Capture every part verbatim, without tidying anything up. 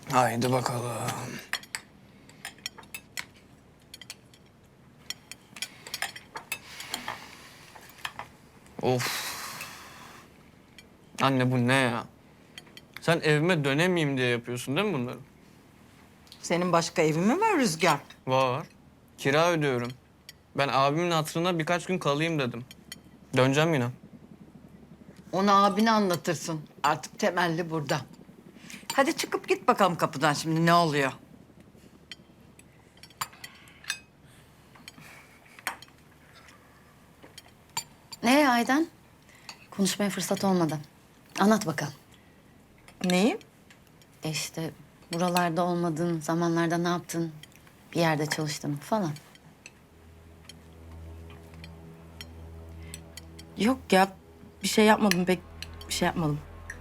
Haydi bakalım. Of. Anne bu ne ya? Sen evime dönemeyeyim diye yapıyorsun değil mi bunları? Senin başka evin mi var Rüzgar? Var. Kira ödüyorum. Ben abimin hatırına birkaç gün kalayım dedim. Döneceğim yine. Onu abine anlatırsın. Artık temelli burada. Hadi çıkıp git bakalım kapıdan şimdi ne oluyor? Nereye Aydan? Konuşmaya fırsat olmadı. Anlat bakalım. Neyi? E işte buralarda olmadığın zamanlarda ne yaptın? Bir yerde çalıştın falan. Yok ya, bir şey yapmadım pek, bir şey yapmadım.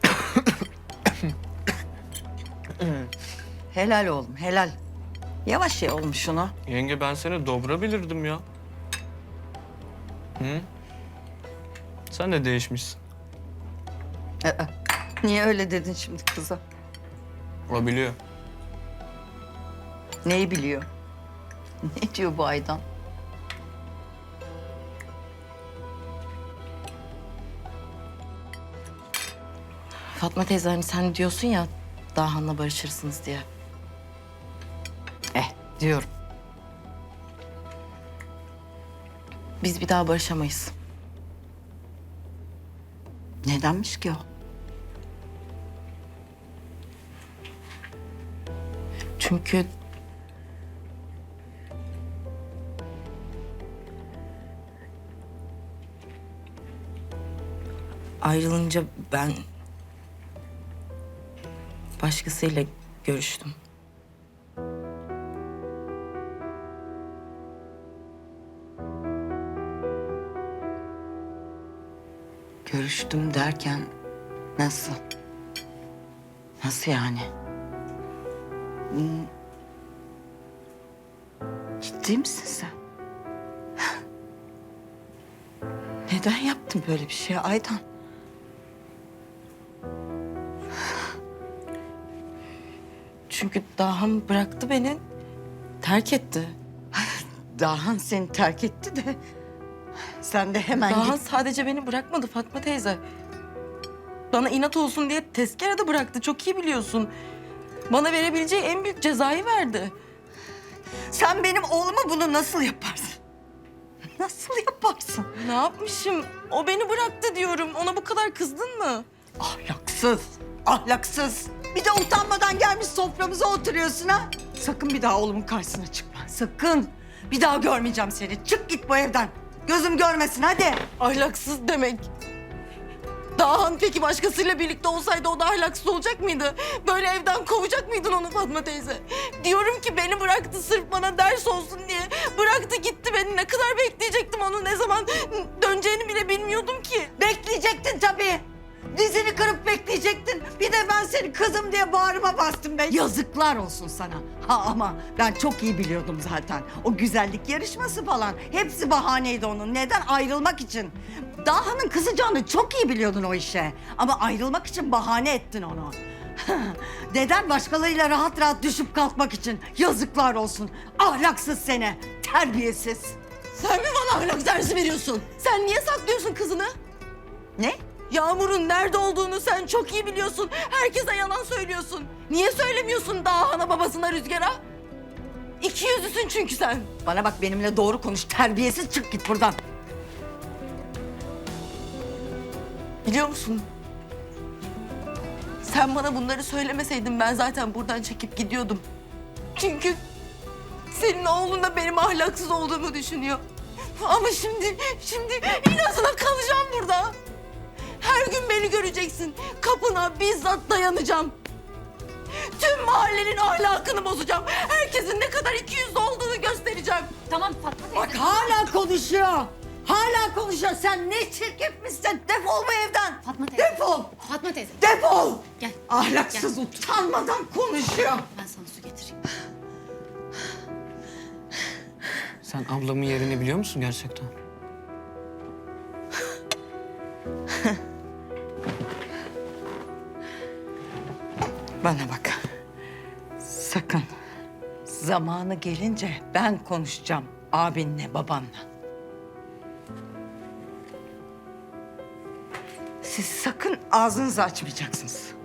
Helal oğlum helal. Yavaş ye oğlum şunu. Yenge ben seni dobra bilirdim ya. Hı? Sen de değişmişsin. Aa, niye öyle dedin şimdi kıza? O biliyor. Neyi biliyor? Ne diyor bu Aydan? Fatma teyze hani sen diyorsun ya, Dahan'la barışırsınız diye. Eh diyorum. Biz bir daha barışamayız. Nedenmiş ki o? Çünkü... Ayrılınca ben... başkasıyla görüştüm. Görüştüm derken nasıl? Nasıl yani? Hmm. Ciddi misin sen? Neden yaptın böyle bir şey Aydan? Çünkü Dahan bıraktı beni, terk etti. Dahan seni terk etti de sen de hemen Dahan git. sadece beni bırakmadı Fatma teyze. Bana inat olsun diye tezkere de bıraktı, çok iyi biliyorsun. Bana verebileceği en büyük cezayı verdi. Sen benim oğluma bunu nasıl yaparsın? Nasıl yaparsın? Ne yapmışım? O beni bıraktı diyorum. Ona bu kadar kızdın mı? Ahlaksız, ahlaksız. Bir de utanmadan gelmiş soframıza oturuyorsun ha. Sakın bir daha oğlumun karşısına çıkma. Sakın. Bir daha görmeyeceğim seni. Çık git bu evden. Gözüm görmesin hadi. Ahlaksız demek. Dahan peki başkasıyla birlikte olsaydı o da ahlaksız olacak mıydı? Böyle evden kovacak mıydın onu Fatma teyze? Diyorum ki beni bıraktı sırf bana ders olsun diye. Bıraktı gitti beni. Ne kadar bekleyecektim onu, ne zaman döneceğini bile bilmiyordum ki. Bekleyecektin tabii. Dizini kırıp bekleyecektin. Bir de ben seni kızım diye bağrıma bastım be. Yazıklar olsun sana. Ha ama ben çok iyi biliyordum zaten. O güzellik yarışması falan. Hepsi bahaneydi onun. Neden? Ayrılmak için. Daha'nın kızacağını çok iyi biliyordun o işe. Ama ayrılmak için bahane ettin onu. Neden? Başkalarıyla rahat rahat düşüp kalkmak için. Yazıklar olsun. Ahlaksız seni. Terbiyesiz. Sen mi bana ahlak dersi veriyorsun? Sen niye saklıyorsun kızını? Ne? Yağmur'un nerede olduğunu sen çok iyi biliyorsun. Herkese yalan söylüyorsun. Niye söylemiyorsun Dahan'a, babasına, Rüzgar'a? İki yüzlüsün çünkü sen. Bana bak benimle doğru konuş. Terbiyesiz çık git buradan. Biliyor musun? Sen bana bunları söylemeseydin ben zaten buradan çekip gidiyordum. Çünkü senin oğlun da benim ahlaksız olduğumu düşünüyor. Ama şimdi, şimdi inatına kalacağım burada. Her gün beni göreceksin. Kapına bizzat dayanacağım. Tüm mahallenin ahlakını bozacağım. Herkesin ne kadar iki yüzlü olduğunu göstereceğim. Tamam Fatma teyze. Bak hala konuşuyor. Hala konuşuyor. Sen ne çirkefmişsin. Defol bu evden. Fatma teyze. Defol. Fatma teyze. Defol. Gel. Ahlaksız utanmadan konuşuyor. Ben sana su getireyim. Sen ablamın yerini biliyor musun gerçekten? Bana bak. Sakın. Zamanı gelince ben konuşacağım abinle, babanla. Siz sakın ağzınızı açmayacaksınız.